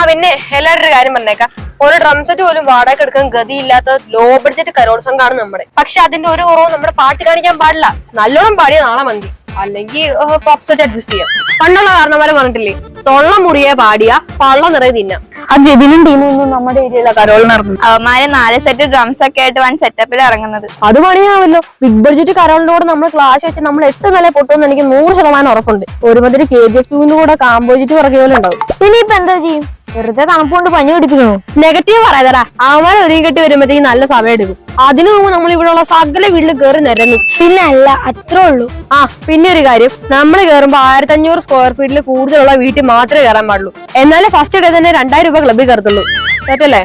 പിന്നെ എല്ലാവരുടെ ഒരു കാര്യം പറഞ്ഞേക്കാം, ഒരു ഡ്രം സെറ്റ് പോലും വാടക എടുക്കാൻ ഗതിയില്ലാത്ത ലോ ബഡ്ജറ്റ് കരോത്സവമാണ് നമ്മുടെ. പക്ഷെ അതിന്റെ ഒരു കുറവും നമ്മുടെ പാട്ട് കാണിക്കാൻ പാടില്ല. നല്ലോണം പാടിയ നാളെ മന്തി, അല്ലെങ്കിൽ പോപ്പ് സെറ്റ് അഡ്ജസ്റ്റ് ചെയ്യാം. പണ്ടുള്ള കാരണവരെ പറഞ്ഞിട്ടില്ലേ, തൊള്ള മുറിയെ പാടിയ പള്ള നിറയെ തിന്നാം. ആ ജെബിനും ടീമൊന്നും നമ്മുടെ ഏരിയയിലെ കരോളിന് ഇറങ്ങും. അവന്മാര് 4 സെറ്റ് ഡ്രംസ് ഒക്കെ ആയിട്ട് വൺ സെറ്റപ്പിൽ ഇറങ്ങുന്നത്. അത് പണിയാവല്ലോ. ബിഗ് ബഡ്ജറ്റ് കരോളിനോട് നമ്മൾ ക്ലാഷ് വെച്ച് നമ്മൾ 8 നില പൊട്ടുമെന്ന് എനിക്ക് 100% ഉറപ്പുണ്ട്. ഒരുമാതിരി KGF 2 കൂടെ കാമ്പോജിറ്റ് കുറയ്ക്കലുണ്ടാവും. ഇനിയിപ്പോ എന്താ ചെയ്യും? വെറുതെ തണുപ്പുകൊണ്ട് പനി പിടിപ്പിക്കണോ? നെഗറ്റീവ് പറയാതടാ, അവന്മാരെ ഒരുങ്ങി കെട്ടി വരുമ്പോഴത്തേക്ക് നല്ല സമയം എടുക്കും. അതിനു മുമ്പ് നമ്മൾ ഇവിടെ ഉള്ള സകല വീട്ടിൽ കയറി നിരങ്ങും. പിന്നെ അല്ല, അത്രേ ഉള്ളൂ. പിന്നെ ഒരു കാര്യം, നമ്മൾ കയറുമ്പോ 1500 സ്ക്വയർ ഫീറ്റിൽ കൂടുതലുള്ള വീട്ടിൽ മാത്രമേ കയറാൻ പാടുള്ളൂ. എന്നാലും ഫസ്റ്റ് ഡേ തന്നെ 2000 രൂപ ക്ലബിൽ കയറത്തുള്ളൂ. തെറ്റല്ലേ?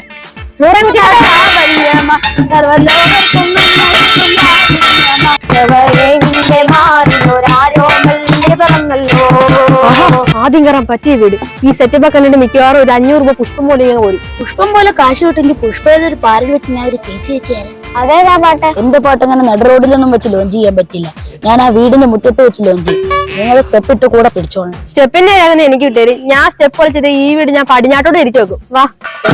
ആദ്യം കയറാൻ പറ്റിയ വീട്. ഈ സെറ്റപ്പ് ഒക്കെ കണ്ടിട്ട് മിക്കവാറും ഒരു 500 രൂപ പുഷ്പം പോലെ പോരും. പുഷ്പം പോലെ കാശ് കിട്ടുമെങ്കിൽ പുഷ്പം ഒരു പാറിൽ വെച്ച് ഞാൻ ഒരു ചേച്ചി അതേതാ പാട്ട്? എന്റെ പാട്ട് അങ്ങനെ നട റോഡിലൊന്നും വെച്ച് ലോഞ്ച് ചെയ്യാൻ പറ്റില്ല. ഞാൻ ആ വീടിന്റെ മുറ്റത്ത് വെച്ച് ലോഞ്ച് ചെയ്യും. നിങ്ങൾ സ്റ്റെപ്പ് ഇട്ട് കൂടെ പിടിച്ചോളണം. സ്റ്റെപ്പിന്റെ അങ്ങനെ എനിക്ക് കിട്ടിയത്. ഞാൻ സ്റ്റെപ്പ് കളിച്ചിട്ട് ഈ വീട് ഞാൻ പടിഞ്ഞാട്ടോട് തിരിച്ചു വെക്കും. വാ.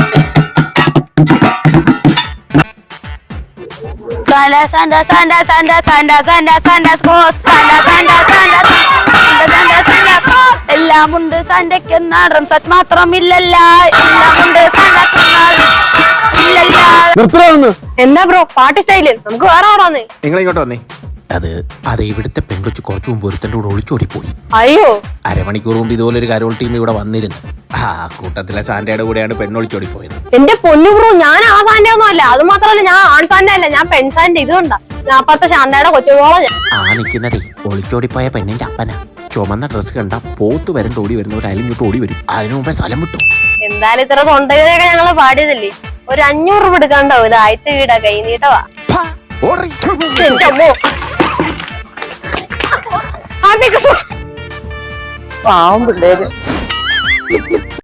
എല്ലാം ഉണ്ട് സാന്റയ്ക്കെന്ന ഡ്രംസെറ്റ് മാത്രമില്ലല്ല. എന്താ ബ്രോ പാട്ട് സ്റ്റൈല്? നമുക്ക് വേറെ ആടാന്നേ. നിങ്ങൾ ഇങ്ങോട്ട് വന്നേ. അത് ഇവിടുത്തെ പെൺകൊച്ചു കുറച്ചു മുമ്പ് ഒരുത്തൻ്റെ കൂടെ ഒളിച്ചോടി പോയി. അയ്യോ, അരമണിക്കൂർ മുമ്പ് ഇതുപോലെ ഒരു കരോൾ ടീം ഇവിടെ വന്നിരുന്നു. ആ കൂട്ടത്തിലെ സാന്റയുടെ കൂടെയാണ് പെണ്ണൊളിച്ചോടി പോയത്. എന്റെ പൊന്നു ബ്രോ, ഞാൻ ആ സാന്റെ ഒന്നും അല്ല. അത് മാത്രമല്ല, ഞാൻ ആൺ സാന്റെ അല്ല, ഞാൻ പെൺസാന്റെ. ഇതുകൊണ്ടാ അപ്പത്തെ ശാന്തയുടെ കൊച്ചുപോള. ആ നിൽക്കുന്നതേ ഒളിച്ചോടിപ്പോയ പെണ്ണിന്റെ അപ്പനാ. ചുമന്ന ഡ്രസ് കണ്ട പോത്ത് വരണ്ട് ഓടി വരുന്ന ഒരു അലിഞ്ഞിട്ട് ഓടി വരും. അതിനു മുമ്പേ സ്ഥലം വിട്ടു. എന്തായാലും ഇത്ര തൊണ്ടയൊക്കെ ഞങ്ങള് പാടിയതല്ലേ, ഒരു 500 രൂപ എടുക്കാണ്ടാവും. ഇത് ആദ്യത്തെ വീടാ, കൈ നീട്ടവാ. പാവം പിള്ളേര്.